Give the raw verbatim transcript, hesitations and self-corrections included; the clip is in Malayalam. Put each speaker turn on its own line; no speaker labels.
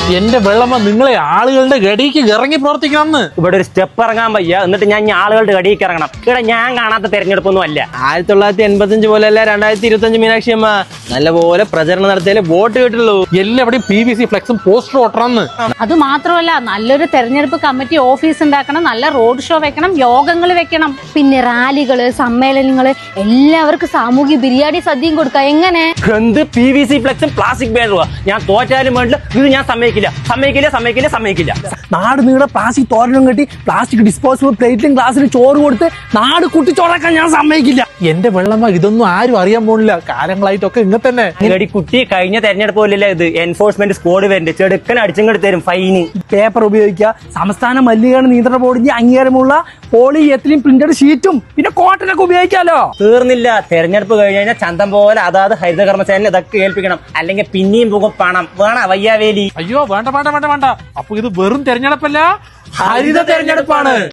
എന്റെ വെള്ളമ്മ നിങ്ങളെ ആളുകളുടെ ഗടിക്ക് ഇറങ്ങി പ്രവർത്തിക്കണം.
ഇവിടെ ഒരു സ്റ്റെപ്പ് ഇറങ്ങാൻ വയ്യ, എന്നിട്ട് ഞാൻ ഈ ആളുകളുടെ ഗടിക്ക് ഇറങ്ങണം. ഇവിടെ ഞാൻ കാണാത്ത തെരഞ്ഞെടുപ്പൊന്നും അല്ല.
ആയിരത്തി തൊള്ളായിരത്തി എൺപത്തി അഞ്ച് പോലെയല്ല രണ്ടായിരത്തി ഇരുപത്തി അഞ്ച് മീനാക്ഷി അമ്മ. നല്ലപോലെ പ്രചരണം നടത്തിയാലേ വോട്ട് കിട്ടുള്ളൂ.
എല്ലാവിടെയും പി വി സി ഫ്ലെക്സും പോസ്റ്ററും ഒട്ടണമെന്ന്.
അത് മാത്രമല്ല, നല്ലൊരു തെരഞ്ഞെടുപ്പ് കമ്മിറ്റി ഓഫീസ് ഉണ്ടാക്കണം, നല്ല റോഡ് ഷോ വെക്കണം, യോഗങ്ങൾ വെക്കണം,
പിന്നെ റാലികള്, സമ്മേളനങ്ങള്, എല്ലാവർക്കും സാമൂഹ്യ ബിരിയാണി സദ്യയും കൊടുക്കാം. എങ്ങനെ?
എന്ത് പി വി സി ഫ്ലെക്സും പ്ലാസ്റ്റിക് ബാനറുവാ? ഞാൻ തോറ്റാലും വേണ്ടില്ല, ഇത് ഞാൻ സമ്മതിക്കില്ല സമ്മതിക്കില്ല സമ്മതിക്കില്ല സമ്മതിക്കില്ല.
നാട് നീളെ പ്ലാസ്റ്റിക് തോരനും കെട്ടി പ്ലാസ്റ്റിക് ഡിസ്പോസിബിൾ പ്ലേറ്റിലും ഗ്ലാസ്സിലും ചോറ് കൊടുത്ത് നാട് കുട്ടിച്ചോറാക്കാൻ ഞാൻ സമ്മതിക്കില്ല.
എന്റെ വെള്ളമ്മ ഇതൊന്നും ആരും അറിയാൻ പോണില്ല. കാലങ്ങളായിട്ടൊക്കെ ഇങ്ങനെ തന്നെ.
ഗടി കുട്ടി കഴിഞ്ഞ തെരഞ്ഞെടുപ്പ് പോലില്ല ഇത്. എൻഫോഴ്സ്മെന്റ് സ്ക്വാഡ് വരണ്ട്, ചെടുക്കൻ അടിച്ചങ്ങോട്ട് തരും ഫൈന്.
പേപ്പർ ഉപയോഗിക്കുക, സംസ്ഥാന മലിനീകരണ നിയന്ത്രണ ബോർഡിന്റെ അംഗീകാരമുള്ള പോളി എത്തിലിൻ പ്രിന്റഡ് ഷീറ്റും പിന്നെ കോട്ടനൊക്കെ ഉപയോഗിക്കാലോ.
തീർന്നില്ല, തെരഞ്ഞെടുപ്പ് കഴിഞ്ഞ് കഴിഞ്ഞാൽ ചന്തം പോലെ അതാത് ഹരിത കർമ്മസേന ഇതൊക്കെ ഏൽപ്പിക്കണം, അല്ലെങ്കിൽ പിന്നെയും പോകും പണം വേണ വയ്യാവേലി.
അയ്യോ വേണ്ട വേണ്ട വേണ്ട വേണ്ട. അപ്പൊ ഇത് വെറും തെരഞ്ഞെടുപ്പല്ല, ഹരിത തെരഞ്ഞെടുപ്പാണ്.